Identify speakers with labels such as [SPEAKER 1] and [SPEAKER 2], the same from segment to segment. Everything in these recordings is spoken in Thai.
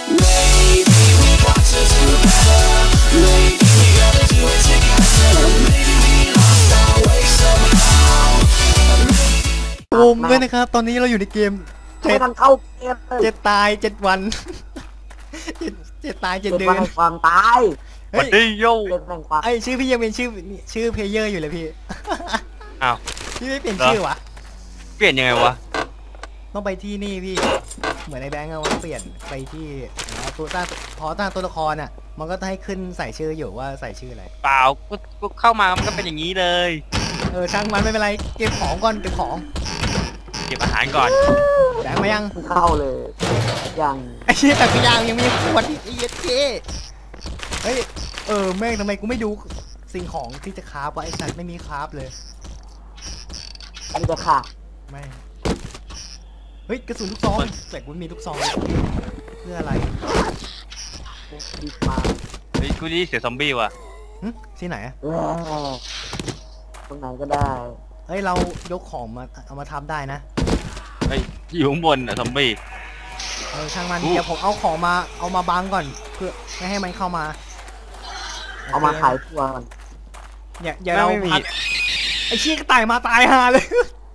[SPEAKER 1] Maybe we got to do better. Maybe we gotta do it together. Maybe we lost our way somehow.
[SPEAKER 2] ผมด้วยนะครับตอนนี้เราอยู่ในเกม
[SPEAKER 3] ไม่ทันเข้าเกมเลย
[SPEAKER 2] เจ็ดตาย7 วันเจ็ดตาย7 เดือน
[SPEAKER 3] วันแห่งความตาย
[SPEAKER 2] เฮ้ย
[SPEAKER 4] ดีโย่
[SPEAKER 3] เจ็ดแห่งความ
[SPEAKER 2] ไอชื่อพี่ยังเป็นชื่อเพลเยอร์อยู่เลยพี่
[SPEAKER 4] อ้าว
[SPEAKER 2] พี่ไม่เปลี่ยนชื่อวะ
[SPEAKER 4] เปลี่ยนยังไงวะ
[SPEAKER 2] ต้องไปที่นี่พี่เหมือนในแบงก์อะว่าเปลี่ยนไปที่ตัวตั้งพอตั้งตัวละครอ่ะมันก็จะให้ขึ้นใส่ชื่ออยู่ว่าใส่ชื่ออะไร
[SPEAKER 4] เปล่ากูเข้ามามันก็เป็นอย่างนี้เลย
[SPEAKER 2] ช่างมันไม่เป็นไรเก็บของก่อนเก็บของ
[SPEAKER 4] เก็บอาหารก่อน
[SPEAKER 2] แบงก์มายัง
[SPEAKER 3] เข้าเลยอย่าง
[SPEAKER 2] ไอ้เชี่ยแต่พี่ยังมีขวดอีกไอ้เหี้ยเจ๊เฮ้ยแม่งทำไมกูไม่ดูสิ่งของที่จะคราฟวะไอ้สัตว์ไม่มีคราฟเลย
[SPEAKER 3] นี่จะค่ะ
[SPEAKER 2] ไม่เฮ้ยกระสุนลูกซองแต่กูมีลูกซองเพื่ออะไร
[SPEAKER 3] ดีมา
[SPEAKER 4] เฮ้ยกูได้ยินเสียงซอมบี้ว่ะ
[SPEAKER 2] ที่ไหนอะ
[SPEAKER 3] ตรงไหนก็ได้
[SPEAKER 2] เฮ้ยเรายกของมาเอามาทำได้นะ
[SPEAKER 4] เฮ้ยอยู่ข้างบนอ่ะซอมบี้
[SPEAKER 2] ช่างมันเดี๋ยวผมเอาของมาเอามาบังก่อนเพื่อไม่ให้มันเข้ามา
[SPEAKER 3] เอามาขายทั่วก่อน
[SPEAKER 2] อย่าเราพักไอ้เชี่ยก็ตายมาตายหาเลย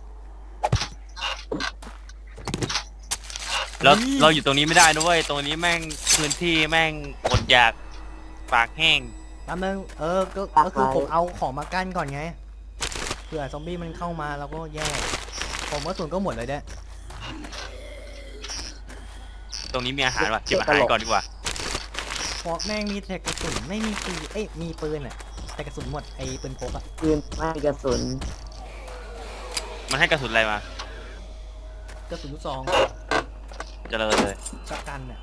[SPEAKER 4] เราอยู่ตรงนี้ไม่ได้ด้วยตรงนี้แม่งพื้นที่แม่งอดอยากปากแห้ง
[SPEAKER 2] แป๊บนึงก็คือผมเอาของมากั้นก่อนไงเผื่อซอมบี้มันเข้ามาเราก็แย่ผมว่าส่วนก็หมดเลยเด้
[SPEAKER 4] ตรงนี้มีอาหารว่ะเก็บอาหารก่อนดีกว่า
[SPEAKER 2] เพราะแม่งมีแต่กระสุนไม่มีปืนมีปืนอ่ะแต่กระสุนหมดไอ้ปืนพกอ่ะ
[SPEAKER 3] ปืนไม่มีกระสุน
[SPEAKER 4] มันให้กระสุนอะไรมาก
[SPEAKER 2] ระสุนลูกซอง
[SPEAKER 4] เจริญเลย
[SPEAKER 2] กักกันอ่ะ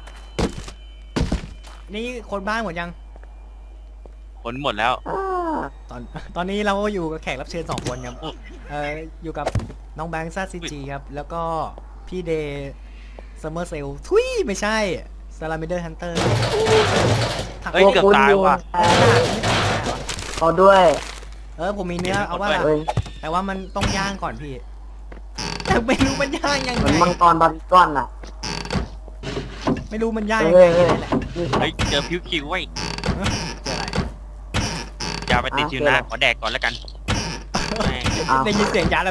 [SPEAKER 2] นี่คนบ้านหมดยัง
[SPEAKER 4] ผลหมดแล้ว
[SPEAKER 2] ตอนนี้เราอยู่กับแขกรับเชิญ2 คนครับอยู่กับน้องแบงค์ซ่าซีจีครับแล้วก็พี่เดย์ซัมเมอร์เซลทุยไม่ใช่ซาลาเมเดอร์ฮันเตอร์
[SPEAKER 4] เฮ้ยเกือบตายว่ะ
[SPEAKER 3] ขอด้วย
[SPEAKER 2] ผมมีเนื้อเอาว่า
[SPEAKER 3] เอ้ย
[SPEAKER 2] แต่ว่ามันต้องย่างก่อนพี่แต่ไม่รู้มันย่างยัง
[SPEAKER 3] เห
[SPEAKER 2] ไง
[SPEAKER 3] มือนมังกรบาบิก้อนน่ะ
[SPEAKER 2] ไม่รู้มันย่างยังไงนี่แหละ
[SPEAKER 4] เฮ้ยเจอพิวคิวไว้ย
[SPEAKER 2] เจออะไร
[SPEAKER 4] อย่าไปติดชิวนะขอแดกก่อนแล้วกันแม่ง
[SPEAKER 2] ได้ยินเสียงยาแล้ว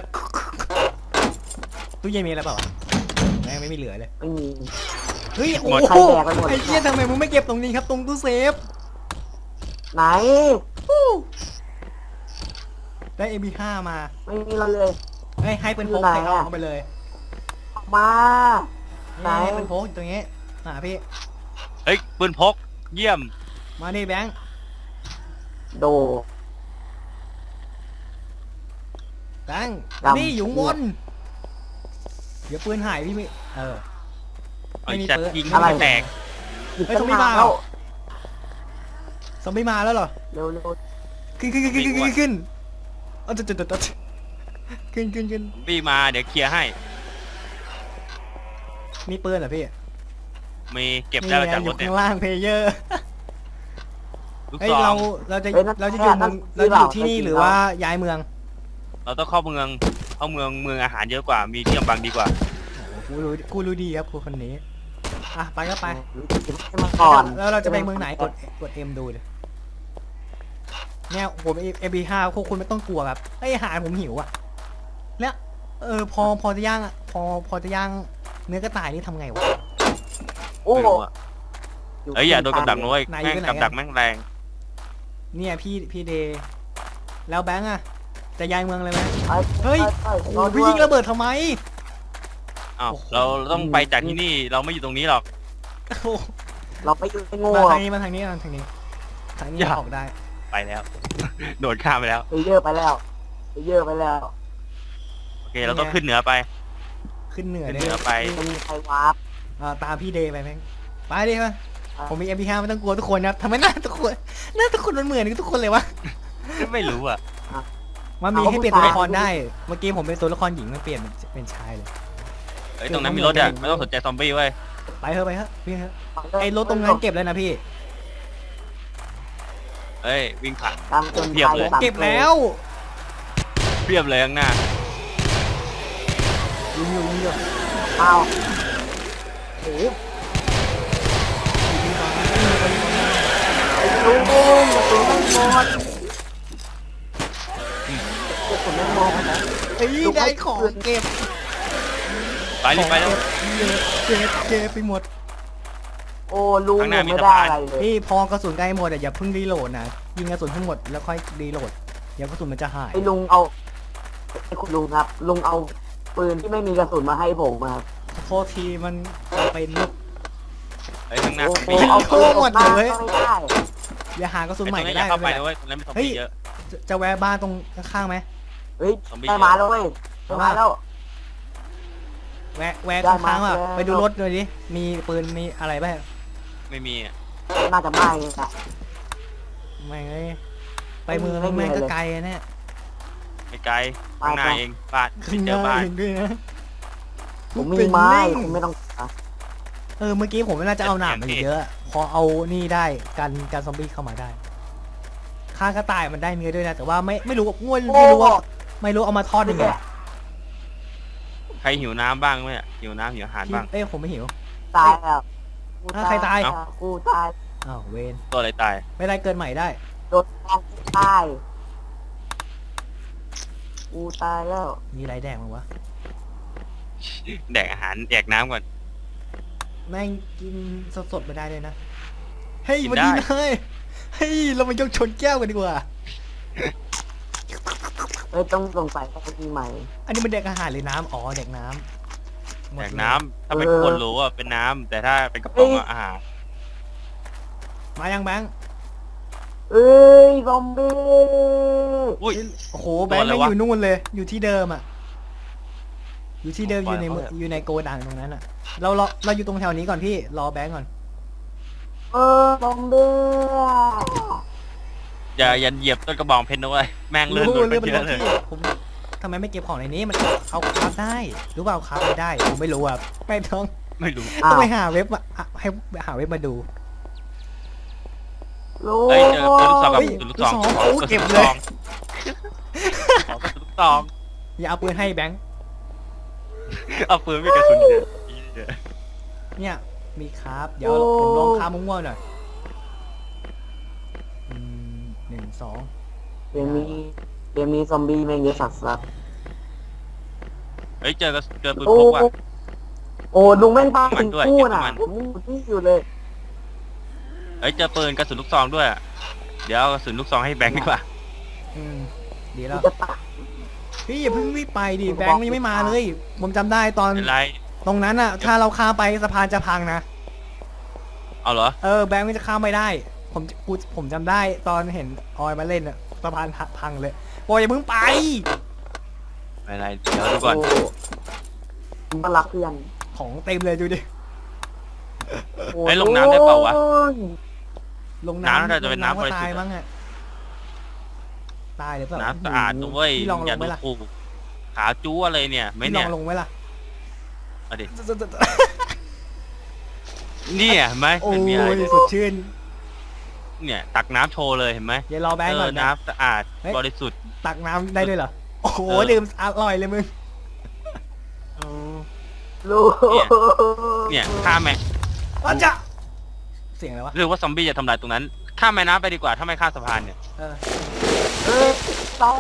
[SPEAKER 2] ตู้เย็นมีอะไรเปล่าแม่งไม่มีเหลือเลย
[SPEAKER 3] ไม่มี
[SPEAKER 2] เฮ้ยโอ้
[SPEAKER 3] ใคร
[SPEAKER 2] โห
[SPEAKER 3] แดกไปหมด
[SPEAKER 2] ไอ้เหี้ยทำไมมึงไม่เก็บตรงนี้ครับตรงตู้เซฟ
[SPEAKER 3] ไหน
[SPEAKER 2] ได้ MP5 มา
[SPEAKER 3] ไม่มีเราเลย
[SPEAKER 2] ให้เป็นพก
[SPEAKER 3] อยู่ไหน
[SPEAKER 2] ให้
[SPEAKER 3] อะ
[SPEAKER 2] เอาไปเลย
[SPEAKER 3] ออกมา ไหน
[SPEAKER 2] ให้เป็นพกอยู่ตรงนี้พี่
[SPEAKER 4] เฮ้ยปืนพกเยี่ยม
[SPEAKER 2] มานี่แบงค์
[SPEAKER 3] โด
[SPEAKER 2] แบงค์
[SPEAKER 3] ดำ
[SPEAKER 2] นี่อยู่ข้างบนเดี๋ยวปืนหายพี่ไม่
[SPEAKER 4] ไอ้
[SPEAKER 2] ไม่มี
[SPEAKER 4] จัด
[SPEAKER 2] ปืน
[SPEAKER 4] ยิง
[SPEAKER 3] อะไร
[SPEAKER 4] แตก
[SPEAKER 3] หยิบ
[SPEAKER 2] เฮ้ย
[SPEAKER 3] ตั้
[SPEAKER 2] ต้อง งไม่
[SPEAKER 3] นาน
[SPEAKER 2] มา
[SPEAKER 3] แล้ว
[SPEAKER 2] ซอมบี้มาแล้วเหรอ
[SPEAKER 3] เร็ว
[SPEAKER 2] ขึ้นเอาจุดขึ้น
[SPEAKER 4] พี่มาเดี๋ยวเคลียร์ให้
[SPEAKER 2] มีปืนเหรอพี่
[SPEAKER 4] มีเก็บได้มาจาก
[SPEAKER 2] อ
[SPEAKER 4] ร
[SPEAKER 2] ยู่
[SPEAKER 4] ถเนี่ย
[SPEAKER 2] ข้างล่างเพลเยอร์
[SPEAKER 4] ลูก
[SPEAKER 2] เฮ้ย
[SPEAKER 4] ซอง
[SPEAKER 2] เราจะอยู่ที่นี่หรือว่าย้ายเมือง
[SPEAKER 4] เราต้องเข้าเมืองอาหารเยอะกว่ามีที่กำบังดีกว่า
[SPEAKER 2] กูรู้ดีครับคนนี้ไปก็ไป
[SPEAKER 3] หยิบให้มาก่อน
[SPEAKER 2] แล้วเราจะไปเมืองไหนกด M ดูเลยเนี่ยผม MP5 พวกคุณไม่ต้องกลัวครับไอ้อาหารผมหิวอ่ะแล้วพอจะย่างอ่ะพอจะย่างเนื้อกระต่ายนี่ทำไงวะ
[SPEAKER 3] โอ้
[SPEAKER 4] ไม่
[SPEAKER 3] โห
[SPEAKER 4] รู้อะเฮ้ยอย่าโดนกับดักนะเว้ย
[SPEAKER 2] ไหน
[SPEAKER 4] แม่ง
[SPEAKER 2] อยู่ไหน
[SPEAKER 4] กับดักแม่งแรง
[SPEAKER 2] เนี่ยพี่เดย์แล้วแบงค์อ่ะจะย้ายเมืองเลยไหม
[SPEAKER 3] ไป
[SPEAKER 2] เฮ้ย
[SPEAKER 3] ไป
[SPEAKER 2] โอ้พี่ยิงระเบิดทำไม
[SPEAKER 4] อ้าว
[SPEAKER 2] โอ้โห
[SPEAKER 4] เราต้องไปจากที่นี่เราไม่อยู่ตรงนี้หรอก
[SPEAKER 2] โอ้โห
[SPEAKER 3] เราไม่อยู่ไม่โง่
[SPEAKER 2] มาทางนี้ทางนี้ออกได้
[SPEAKER 4] ไปแล้ว โดดข้ามไปแล้ว
[SPEAKER 3] ไปเยอะไปแล้วไปแล้ว
[SPEAKER 4] โอเคเราต้องขึ้นเหนือไป
[SPEAKER 2] ขึ้นเหนือ
[SPEAKER 4] ขึ้น
[SPEAKER 2] ได้
[SPEAKER 4] เหนือไป
[SPEAKER 3] จะมีใครวาร์ป
[SPEAKER 2] ตามพี่เดย์ไปแม่งไปดิมาผมมี MP5 ไม่ต้องกลัวทุกคนครับทำไมหน้าทุกคนมันเหมือนทุกคนเลยวะ
[SPEAKER 4] ไม่รู้อ่ะ
[SPEAKER 2] มันมีให้เปลี่ยนตัวละครได้เมื่อกี้ผมเป็นตัวละครหญิงมันเปลี่ยนเป็นชายเลย
[SPEAKER 4] เฮ้ยตรงนั้นมีรถอ่ะไม่ต้องสนใจซอมบี้เว้ย
[SPEAKER 2] ไปเถอะพี่เถอะไอ้รถตรงนั้นเก็บแล้วนะพี่
[SPEAKER 4] เฮ้ยวิ่งผ่าน
[SPEAKER 3] ตามจน
[SPEAKER 4] เพียบเลย
[SPEAKER 2] เก็บแล้ว
[SPEAKER 4] เรียบเลยข้างหน้า
[SPEAKER 2] ยิงอยู่
[SPEAKER 3] อ้าวโอ้โห
[SPEAKER 2] เอ้ยได้ของเก็บ
[SPEAKER 4] ไปรีบไปแล้ว
[SPEAKER 2] เก็บไปหมด
[SPEAKER 3] โอ้ลุง
[SPEAKER 4] ข้างหน้า
[SPEAKER 3] ผม
[SPEAKER 4] มี
[SPEAKER 3] ไม่
[SPEAKER 4] สะ
[SPEAKER 3] ได้
[SPEAKER 4] พาน
[SPEAKER 3] อะไรเลย
[SPEAKER 2] พี่พอกระสุนใกล้หมดอย่าเพิ่งรีโหลดนะยิงกระสุนทั้งหมดแล้วค่อยรีโหลดเดี๋ยวกระสุนมันจะหาย
[SPEAKER 3] ไอ้ลุงเอาไอ้คุณลุงครับ ลุงเอาปืนที่ไม่มีกระสุนมาให้ผมครับ
[SPEAKER 2] โทษทีมันเป็นลูก
[SPEAKER 4] ไอ้ข้างหน้า
[SPEAKER 3] โอ้
[SPEAKER 4] ซอม
[SPEAKER 3] โห
[SPEAKER 4] บี้
[SPEAKER 3] เอาปืนออกมา
[SPEAKER 2] หมดเลย
[SPEAKER 3] ก็ไม่ได้
[SPEAKER 2] อย่าหากระสุน
[SPEAKER 4] ไอ้
[SPEAKER 2] ใหม่
[SPEAKER 4] ตรง
[SPEAKER 2] ก็
[SPEAKER 4] นี้อ
[SPEAKER 2] ได้
[SPEAKER 4] ย่าเข้าไป
[SPEAKER 2] ไม่
[SPEAKER 4] นะ
[SPEAKER 2] เป็นไร
[SPEAKER 4] เว้ยตรงนั้นมีซอมบี้เยอะ
[SPEAKER 2] จะแวะบ้านตรงข้างๆไหม
[SPEAKER 3] เฮ้ย
[SPEAKER 4] ซอมบี้
[SPEAKER 3] ได้มาแล้วเว้ยได้มาแล้ว
[SPEAKER 2] แวะ
[SPEAKER 3] ได้
[SPEAKER 2] ข้างๆ
[SPEAKER 3] มา
[SPEAKER 2] ว่ะ
[SPEAKER 3] แล้ว
[SPEAKER 2] ไปดูรถหน่อยดิมีปืนมีอะไรบ้าง
[SPEAKER 4] ไม่มีอะ
[SPEAKER 3] น่าจะไม่นะ
[SPEAKER 2] ไม่งเลยไปเมือง
[SPEAKER 3] ไม่มี
[SPEAKER 2] แม่งก็
[SPEAKER 3] เลย
[SPEAKER 2] ไกลอะเนี่ย
[SPEAKER 4] ไม่ไกลข้างหน้า
[SPEAKER 3] ไป
[SPEAKER 4] เองบ้าน
[SPEAKER 2] ขึ้น
[SPEAKER 4] เจ
[SPEAKER 2] เจ
[SPEAKER 4] อ
[SPEAKER 2] อ
[SPEAKER 4] บ้าน
[SPEAKER 2] เองด้วยนะ
[SPEAKER 3] ผมมีไม้ผมไม่ต้องการ
[SPEAKER 2] เมื่อกี้ผมน่าจะเอาหนามมาเยอะพอเอานี่ได้กันซอมบี้เข้ามาได้ฆ่ากระต่ายมันได้เนื้อด้วยนะแต่ว่าไม่รู้ง่วนไม่รู้ว่าเอามาทอดยังไง
[SPEAKER 4] ใครหิวน้ำบ้างไหมอะหิวน้ำหิวอาหารบ้าง
[SPEAKER 2] ผมไม่หิว
[SPEAKER 3] ตายแล้วกู
[SPEAKER 2] ใครตาย
[SPEAKER 3] กูตาย
[SPEAKER 2] อ้าวเวน
[SPEAKER 4] ตัวอะไรตาย
[SPEAKER 2] ไม่ได้เกินใหม่ได้
[SPEAKER 3] โดนแทงกูตายกูตายแล้ว
[SPEAKER 2] มีอะไรแดงมั้งวะ
[SPEAKER 4] แดกอาหารแดกน้ำก่อน
[SPEAKER 2] แม่งกินสดๆไม่ได้เลยนะเฮ้ย
[SPEAKER 4] กิน
[SPEAKER 2] วัน
[SPEAKER 4] ได้
[SPEAKER 2] นี้เลยเฮ้ยเรามายกชนแก้วกันดีกว่า
[SPEAKER 3] เอ้ยต้องสงสัยว่ามีใหม่
[SPEAKER 2] อันนี้มันแดกอาหารหรือน้ำอ๋อแดกน้ำหม
[SPEAKER 4] แด
[SPEAKER 2] ด
[SPEAKER 4] ก
[SPEAKER 2] เลย
[SPEAKER 4] น้ำถ้าเป็นคนรู้ว่าเป็นน้ำแต่ถ้าเป็นกระป๋องอะอาหาร
[SPEAKER 2] มายังแบงค์
[SPEAKER 3] เอ้ยซอมบี้
[SPEAKER 4] อุ้ย
[SPEAKER 2] โอ้โหแบงค์
[SPEAKER 4] ตัวอะไร
[SPEAKER 2] ไม่
[SPEAKER 4] วะ
[SPEAKER 2] อยู่นู่นเลย อยู่ที่เดิมอ่ะ อยู่ที่เดิม
[SPEAKER 4] ปล่
[SPEAKER 2] อ
[SPEAKER 4] อย
[SPEAKER 2] ยู่ใน
[SPEAKER 4] เขา
[SPEAKER 2] เมือง
[SPEAKER 4] เถอะ
[SPEAKER 2] อยู่ในโกดังตรงนั้นอ่ะ เราอยู่ตรงแถวนี้ก่อนพี่รอแบงค์ก่อน
[SPEAKER 3] ซอมบี้
[SPEAKER 4] อย่าเหยียบต้นกระบองเพชรนะเว้ยแม่งเลื่อน
[SPEAKER 2] รู้
[SPEAKER 4] รถไป
[SPEAKER 2] เรื่องเป็น
[SPEAKER 4] เย
[SPEAKER 2] ร
[SPEAKER 4] อะ
[SPEAKER 2] ถ
[SPEAKER 4] เลย
[SPEAKER 2] ที่ผมทำไมไม่เก็บของในนี้มันเอาคราฟได้รู้เปล่าคราฟไม่ได้ผมไม่รู้อ่ะไม่ต้อง
[SPEAKER 4] ไม่รู้
[SPEAKER 2] ต้องไปหาเว็บมาให้หาเว็บมาดู
[SPEAKER 3] รู้
[SPEAKER 4] เฮ้ยเจอลูกซองกับ
[SPEAKER 2] เฮ้ย
[SPEAKER 4] ลูกซอง
[SPEAKER 2] ลูกซอง
[SPEAKER 4] ขอ
[SPEAKER 2] โอ้
[SPEAKER 4] กระ
[SPEAKER 2] เก็
[SPEAKER 4] สุ
[SPEAKER 2] บ
[SPEAKER 4] น
[SPEAKER 2] เลย
[SPEAKER 4] ลูกซองขอกระสุนลูกซอง
[SPEAKER 2] อย่าเอาปืนให้แบงค์
[SPEAKER 4] เอาปืนไม่กระสุนเยอะ
[SPEAKER 2] เนี่ยมีคราฟเดี๋ยวผมลองคราฟมั่วๆหน่อย1 2
[SPEAKER 3] เกมนี้ซอมบี้แม่งเยอะสัส
[SPEAKER 4] เฮ้ยเจอปืน
[SPEAKER 3] โอ้
[SPEAKER 4] พกว่ะ
[SPEAKER 3] โอ้ลุงแม่งตาย
[SPEAKER 4] มัน
[SPEAKER 3] ถึง
[SPEAKER 4] ด้วย
[SPEAKER 3] คู่
[SPEAKER 4] เก็บ
[SPEAKER 3] น่ะ
[SPEAKER 4] มัน
[SPEAKER 3] ผมยังอยู่ที่อยู่เลย
[SPEAKER 4] เฮ้ยเจอปืนกระสุนลูกซองด้วยอะเดี๋ยวเอากระสุนลูกซองให้แบงค์ดีกว่า
[SPEAKER 2] ดี
[SPEAKER 3] กู
[SPEAKER 2] แล้ว
[SPEAKER 3] จะตาย
[SPEAKER 2] พี่อย่าเพิ่งรีบไปดิแบงค์มันยังไม่มาเลย ผมจำได้ตอน
[SPEAKER 4] เป็นไร
[SPEAKER 2] ตรงนั้นอ่ะ ถ้าเราข้ามไปสะพานจะพังนะ
[SPEAKER 4] เอาเหรอ
[SPEAKER 2] แบงค์มันจะข้ามไม่ได้ ผมจำได้ตอนเห็นออยมาเล่นอ่ะสะพานพังเลยบอกอย่าเพิ่งไป
[SPEAKER 4] ไม่เป็นไรเดี๋ยวดูก่อน
[SPEAKER 3] โมึงก็รักเพื่อน
[SPEAKER 2] ของเต็มเลยดูดิ
[SPEAKER 3] โอ้
[SPEAKER 4] เฮ้ยลงน้ำได้เปล่าวะ
[SPEAKER 2] ลง
[SPEAKER 4] น้ำ
[SPEAKER 2] น้ำ
[SPEAKER 4] น่าจะเป็นน้ำ
[SPEAKER 2] ก็
[SPEAKER 4] บริสุทธิ์
[SPEAKER 2] ตายมั้งอ่ะตายหรือเปล่า
[SPEAKER 4] น้ำสะอาดนะเว้ย
[SPEAKER 2] พี่ลองล
[SPEAKER 4] อย่าง
[SPEAKER 2] ไหม
[SPEAKER 4] ดู
[SPEAKER 2] ล่ะ
[SPEAKER 4] ถูกขาจู้อะไรเนี่ยไม่
[SPEAKER 2] พี่ล
[SPEAKER 4] เนี่
[SPEAKER 2] อย งลงไหมล่ะ
[SPEAKER 4] เอาดิเนี่ยเห็นไหม
[SPEAKER 2] โอ้
[SPEAKER 4] มันมีอะไร
[SPEAKER 2] ยสดชื่น
[SPEAKER 4] เนี่ยตักน้ำโชว์เลยเห็นไหม
[SPEAKER 2] อย่ารอแบงค์ก่อนนะ
[SPEAKER 4] น้ำสะอาด
[SPEAKER 2] เฮ้ย
[SPEAKER 4] บริสุทธิ์
[SPEAKER 2] ตักน้ำได้ด้วยเหรอโอ้โห
[SPEAKER 4] เออ
[SPEAKER 2] ดื่มอร่อยเลยมึง
[SPEAKER 3] ลูก
[SPEAKER 4] เนี่ยข้ามแม่
[SPEAKER 2] อาจะเสียงอะไรวะ
[SPEAKER 4] หรือว่าซอมบี้จะทำลายตรงนั้นข้ามแม่น้ำไปดีกว่าถ้าไม่ข้ามสะพานเนี่ย
[SPEAKER 2] เออ
[SPEAKER 3] เอ้ยตาย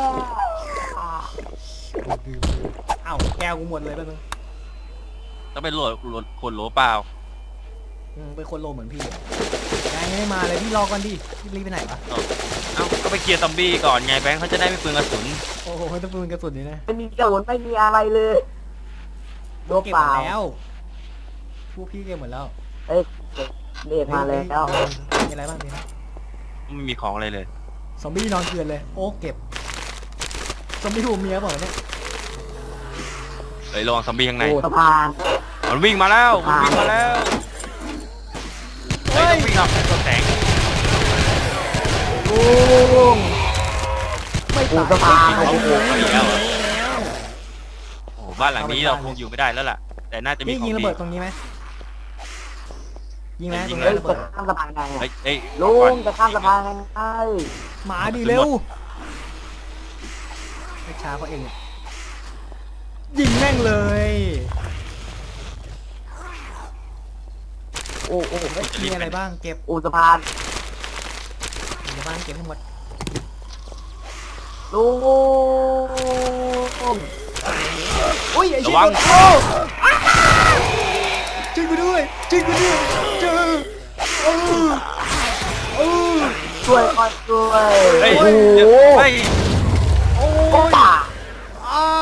[SPEAKER 2] เอ้าแก้วกูหมดเลยแป๊บนึง
[SPEAKER 4] ต้องไปโหลดขวดโหลเปล่า
[SPEAKER 2] เป็นคนโลเหมือนพี่เลยยังไม่มาเลยพี่รอก่อนดิพี่รีบไปไหนวะ
[SPEAKER 4] เอ้าก็ไปเคลียร์ซอมบี้ก่อนไงแบงค์เขาจะได้ไม่เปลืองกระสุน
[SPEAKER 2] โอ้โหต้องปืนกระสุนนี่นะ
[SPEAKER 3] ไม่มีกระสุนไม่มีอะไรเลยโดน
[SPEAKER 2] เก็บ
[SPEAKER 3] เป
[SPEAKER 2] หม
[SPEAKER 3] ล่า
[SPEAKER 2] ดแล้วพวกพี่เก็บหมดแล้ว
[SPEAKER 3] เอ้ยเด็กมาแล้ว
[SPEAKER 2] มีอะไรบ้างดีนะ
[SPEAKER 4] ไม่มีของอะไรเลย
[SPEAKER 2] ซอมบี้นอนเกลือนเลยโอ้เก็บซอมบี้หูเมียบอกเนี่ย
[SPEAKER 4] เฮ้ยระวังซอมบี้ข้างใน
[SPEAKER 3] โอ้สะพาน
[SPEAKER 4] มันวิ่งมาแล้วมันวิ่งมาแล้วเฮ้ยต้องวิ่งออกตัวแสง
[SPEAKER 3] ลุง
[SPEAKER 2] ไม่
[SPEAKER 3] โอ้
[SPEAKER 2] ตาย
[SPEAKER 3] สะพาน
[SPEAKER 2] โอ้โห
[SPEAKER 4] เอาอีกแล้วเหรอ โอ้โหบ้านหลังนี้เราคงอยู่ไม่ได้แล้วล่ะ แต่น่าจะมี
[SPEAKER 2] นี่
[SPEAKER 4] ของ
[SPEAKER 2] ยิงระ
[SPEAKER 4] ดี
[SPEAKER 2] เบิดตรงนี้ไหมยิงไหม
[SPEAKER 4] ยิ
[SPEAKER 2] ตรง ง
[SPEAKER 4] เล
[SPEAKER 2] นี้
[SPEAKER 4] ย
[SPEAKER 3] เฮ้ย
[SPEAKER 2] ระเบิ
[SPEAKER 3] จะ
[SPEAKER 2] ด
[SPEAKER 3] ข้ามสะพานไง
[SPEAKER 4] เฮ้ยเฮ้ย
[SPEAKER 3] ลุ
[SPEAKER 4] ก่อน
[SPEAKER 3] งจะข้ามสะพานไง
[SPEAKER 2] หมาดีเร็วไม่ช้าเขาเองเนี่ยยิงแม่งเลย
[SPEAKER 3] โอ้โอ้
[SPEAKER 2] มีอะไรบ้างเก็บ
[SPEAKER 3] โอ้สะพาน
[SPEAKER 2] มีอะไรบ้างเก็บทั้งหมด
[SPEAKER 3] ลุง
[SPEAKER 2] อุ้ยไอ้
[SPEAKER 4] ระ
[SPEAKER 2] เชี่ย
[SPEAKER 4] วัง
[SPEAKER 2] โอ้ช่วยกูด้วยช่วยกูด้วยเจอโอ้โอ้
[SPEAKER 3] ช่วยก่อนช่วย
[SPEAKER 4] เฮ้ย
[SPEAKER 3] โอ้
[SPEAKER 4] เดี๋ยว
[SPEAKER 3] โห
[SPEAKER 4] เฮ้ย
[SPEAKER 2] โอ้
[SPEAKER 3] โอ้
[SPEAKER 2] ย
[SPEAKER 3] ป่า
[SPEAKER 2] อ้าว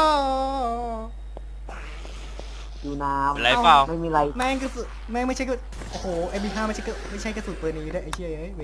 [SPEAKER 3] อยู่น้
[SPEAKER 4] อะไรเปล่า
[SPEAKER 3] ำไม่มีอะไร
[SPEAKER 2] แม่งกระสุนแม่งไม่ใช่กระโอ้โห MP5 ไม่ใช่กระสุนปืนนี้ด้วยไอ้เชี่ยเอ้ยเวน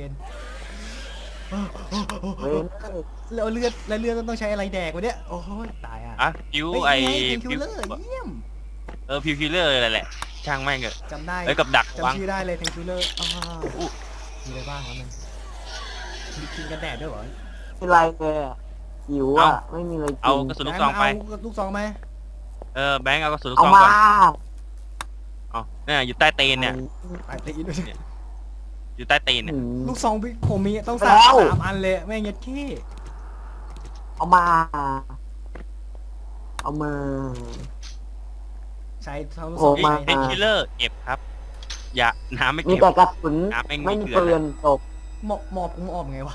[SPEAKER 3] เว้น
[SPEAKER 2] แล้วเลือดต้องใช้อะไรแดกวะเนี่ยโอ้ยตายอ่ะ
[SPEAKER 4] อ่ะพิว
[SPEAKER 2] เฮ้ย
[SPEAKER 4] ไอ้
[SPEAKER 2] นี่ไง
[SPEAKER 4] พิ
[SPEAKER 2] คิ
[SPEAKER 4] ว
[SPEAKER 2] วเลอร์เยี่ยม
[SPEAKER 4] พิวคิลเลอร์อะไรแหละช่างแม่งเถอะ
[SPEAKER 2] จำได้
[SPEAKER 4] เอ้ยกับดักวาง
[SPEAKER 2] จำชื่อได้เลยแทงคิวเลอร์
[SPEAKER 4] อู้
[SPEAKER 2] มีอะไรบ้างครับมันมีกินกันแดดด้วยเหรอ
[SPEAKER 3] ไม่มีอะไรเลยอะหิวอ่ะไม่มีอะไรกิน
[SPEAKER 4] เอากระสุนลูกซองไป
[SPEAKER 2] เอาลูกซองไหม
[SPEAKER 4] แบงค์เอากระสุนลูก
[SPEAKER 3] เอา
[SPEAKER 4] ซอง
[SPEAKER 3] มา
[SPEAKER 4] ก่อนเอาเนี่ยอยู่ใต้ตีนเนี่ย
[SPEAKER 2] ไปตีด้วย
[SPEAKER 4] อยู่ใต้ตีนเนี่ย
[SPEAKER 2] ลูกซองผมมีต้อง
[SPEAKER 3] แล้ว
[SPEAKER 2] สามอันเลยแม่งเงี้ยขี้
[SPEAKER 3] เอามา เอามา
[SPEAKER 2] ใช้ทั้งลูก
[SPEAKER 3] โอ้
[SPEAKER 2] ซอง
[SPEAKER 3] มา
[SPEAKER 2] ใช้
[SPEAKER 4] เป็นคิลเลอร์เก็บครับ อย่าน้ำไม่
[SPEAKER 3] มี
[SPEAKER 4] เก็บ
[SPEAKER 3] แต่กระสุน
[SPEAKER 4] น้ำแม่ง
[SPEAKER 3] ไม่มี
[SPEAKER 4] เกลือ
[SPEAKER 3] ปืนจบ
[SPEAKER 2] หมอบผมออกไงวะ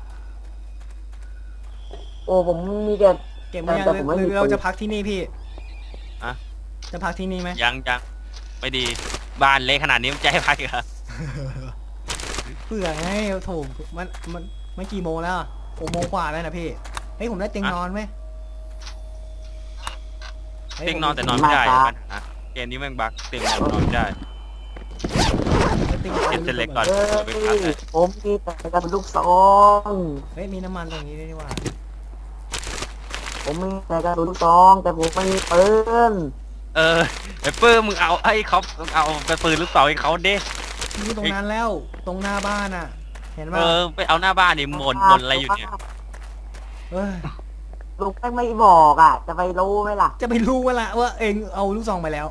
[SPEAKER 3] โอ้ผมมีแต่
[SPEAKER 2] เก็บไว้ยัง
[SPEAKER 3] แต่ผมไม่
[SPEAKER 2] ห
[SPEAKER 3] มี
[SPEAKER 2] รือเรา
[SPEAKER 3] ปืน
[SPEAKER 2] จะพักที่นี่พี่
[SPEAKER 4] อะ
[SPEAKER 2] จะพักที่นี่ไหม
[SPEAKER 4] ยังไม่ดีบ้านเละขนาดนี้มันจะให้พักเหรอ
[SPEAKER 2] เผื่อไงโถมันกี่โมงแล้ว6 โมงกว่าแล้วนะพี่เฮ้ยผมได้เตียงนอนไหมฮ้ย
[SPEAKER 4] เตียงนอนแต่นอนไม่ได้ปัญหาเกมนี้แม่งบั๊กเตียงนอนไม่ได้
[SPEAKER 2] เตียงนอน
[SPEAKER 4] เก็บเสร็จเล็กก่อน
[SPEAKER 3] เฮ้
[SPEAKER 4] เดี๋ยวไปพักเลย
[SPEAKER 3] ยผมมีแต่กระสุนลูกซอง
[SPEAKER 2] เฮ้ยมีน้ำมันตรงนี้ด้วยนี่หว่า
[SPEAKER 3] ผมมีแต่กระสุนลูกซองแต่ผมไม่มีปืน
[SPEAKER 4] ไอ้ปื้มมึงเอาให้เขาเอาไปปืนลูกเต๋าให้เขาเด้
[SPEAKER 2] อยู่ตรงนั้นแล้วตรงหน้าบ้านอ่ะ เห็นป่ะ
[SPEAKER 4] ไปเอาหน้าบ้านนี่หมนอะไรอยู่เนี่ย
[SPEAKER 2] เอ้ย
[SPEAKER 3] ลุงแม่งไม่บอกอ่ะ จะไปรู้ไหมล่ะ
[SPEAKER 2] จะไปรู้ว่าละว่าเองเอาลูกซองไปแล้ว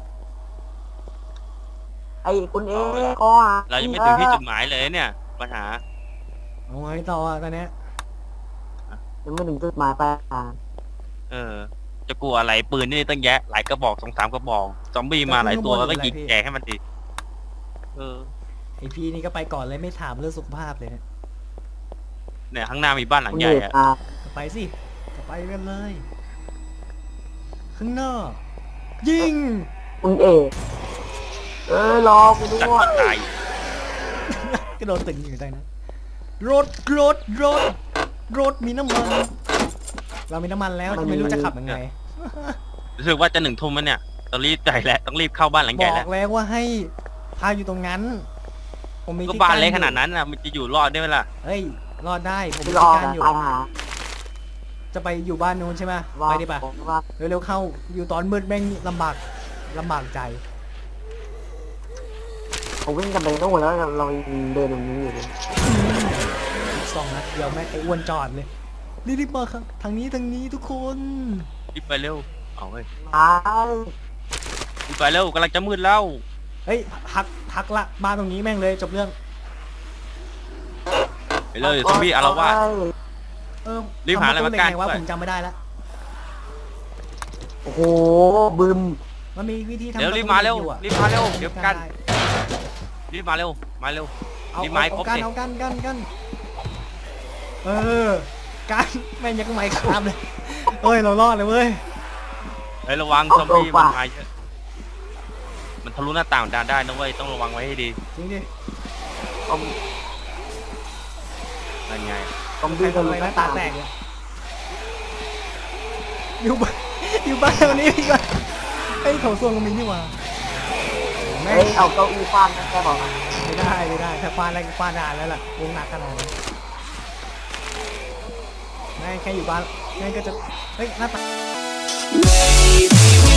[SPEAKER 3] ไอ้คุณเอ๊ก็
[SPEAKER 4] เรายังไม่ถึงที่จุดหมายเลยเนี่ยปัญหา
[SPEAKER 2] เอาไงต่ออ่ะตอนเนี้ย
[SPEAKER 3] ยังไม่ถึงจุดหมายปลายทาง
[SPEAKER 4] จะกลัวอะไรปืนนี่ตั้งแยะหลายกระบอก2-3กระบอกซอมบี้มาหลายตัวก็ยิงแจกให้มันดีเออ
[SPEAKER 2] ไอพี่นี่ก็ไปก่อนเลยไม่ถามเรื่องสุขภาพเลยเนี่ย
[SPEAKER 4] เนี่ยข้างหน้ามีบ้านหลัง
[SPEAKER 3] คุณ
[SPEAKER 4] ใหญ่
[SPEAKER 3] เอก
[SPEAKER 4] อะ
[SPEAKER 3] อ่ะ
[SPEAKER 2] ก็ไปสิก็ไปกันเลย ข้างหน้ายิง
[SPEAKER 3] คุณเอกรอกูด้
[SPEAKER 4] จัด
[SPEAKER 3] วย
[SPEAKER 4] ตาย
[SPEAKER 2] กระโดดตึงอยู่ได้นะรถมีน้ำมัน เรามีน้ำมันแล้วแต่ไม่รู้จะขับยังไง
[SPEAKER 4] รู้สึกว่าจะ1 ทุ่มแล้วเนี่ยต้องรีบใจแหละต้องรีบเข้าบ้านหลัง
[SPEAKER 2] บ
[SPEAKER 4] ใหญ่
[SPEAKER 2] อ
[SPEAKER 4] แล้ว
[SPEAKER 2] กแล้วว่าให้พาอยู่ตรงนั้น ผมมี
[SPEAKER 4] ก็
[SPEAKER 2] ที่
[SPEAKER 4] บ้าน
[SPEAKER 2] กั้
[SPEAKER 4] เล็ก
[SPEAKER 2] อยู่
[SPEAKER 4] ขนาดนั้นน่ะมันจะอยู่รอดได้ไหมล่ะ
[SPEAKER 2] เฮ้ยรอดได้ผมมี
[SPEAKER 3] รอ
[SPEAKER 2] ที่กั้นอยู่
[SPEAKER 3] ตายหา
[SPEAKER 2] จะไปอยู่บ้านนู้นใช่ไหม
[SPEAKER 3] ว่า
[SPEAKER 2] ไปดิป่ะ
[SPEAKER 3] ผมว่า
[SPEAKER 2] เร็วๆเข้าอยู่ตอนมืดแม่งลำบากใจ
[SPEAKER 3] ผมวิ่งกันไปโน่นแล้วเราเดินตรงนี้อยู่เลย
[SPEAKER 2] อีก2 นัดเดียวแม่งไอ้อ้วนจอดเลยรีบๆมาครับทางนี้ทุกคน
[SPEAKER 4] รีบไปเร็วเอาเฮ้ย
[SPEAKER 3] ตาย
[SPEAKER 4] รีบไปเร็วกำลังจะมืดแล้ว
[SPEAKER 2] เฮ้ยพักละบ้านตรงนี้แม่งเลยจบเรื่อง
[SPEAKER 4] ไปเลยซอมบี้อารวาส
[SPEAKER 2] เออ
[SPEAKER 4] รีบหาอะไรมากั้น
[SPEAKER 2] ทำปตูเหล็กไงวะ
[SPEAKER 4] ด้วย
[SPEAKER 2] ผมจำไม่ได้ละ
[SPEAKER 3] โอ้โหบึม
[SPEAKER 2] มันมีวิธีทำ
[SPEAKER 4] เดี๋ยว
[SPEAKER 2] ปะตู
[SPEAKER 4] รีบมาเร็ว
[SPEAKER 2] หล็กอยู่อะ
[SPEAKER 4] รีบมาเร็วเดี๋ยวกัน
[SPEAKER 2] ได้
[SPEAKER 4] รีบมาเร็วมาเร็ว
[SPEAKER 2] เอา
[SPEAKER 4] รีบมาให้ครบ
[SPEAKER 2] กัน
[SPEAKER 4] สิ
[SPEAKER 2] เอากันเออกันแม่งยังไม่ข้ามเลยเอ้ยเรารอดเลยเว้ย
[SPEAKER 4] เฮ้ยระวังซอมบี้มันมาเยอะมันทะลุหน้าต่างได้นะเว้ยต้องระวังไว้ให้ดี
[SPEAKER 2] จริงดิ
[SPEAKER 3] ผม
[SPEAKER 4] นั่นไง
[SPEAKER 3] ผม
[SPEAKER 2] ใคร
[SPEAKER 3] วิ่ง
[SPEAKER 2] ทำอะไร
[SPEAKER 3] ห
[SPEAKER 2] นะ
[SPEAKER 3] น้า
[SPEAKER 2] ตา
[SPEAKER 3] ต่าง
[SPEAKER 2] แตกเลยอยู่บ้านวันนี้พี่ก่อนไอ้ยโถส้วมก็มีนี่หว่าแม่
[SPEAKER 3] เฮ้
[SPEAKER 2] ง
[SPEAKER 3] ยเอาเก้าอี้ฟาดนะแกบอกมา
[SPEAKER 2] ไม่ได้ถ้าฟาดอะไรก็ฟาดนานแล้วล่ะวงหนักขนาดนั้นแม่งแค่อยู่บ้านแม่งก็จะเฮ้ยหน้าตา
[SPEAKER 1] Maybe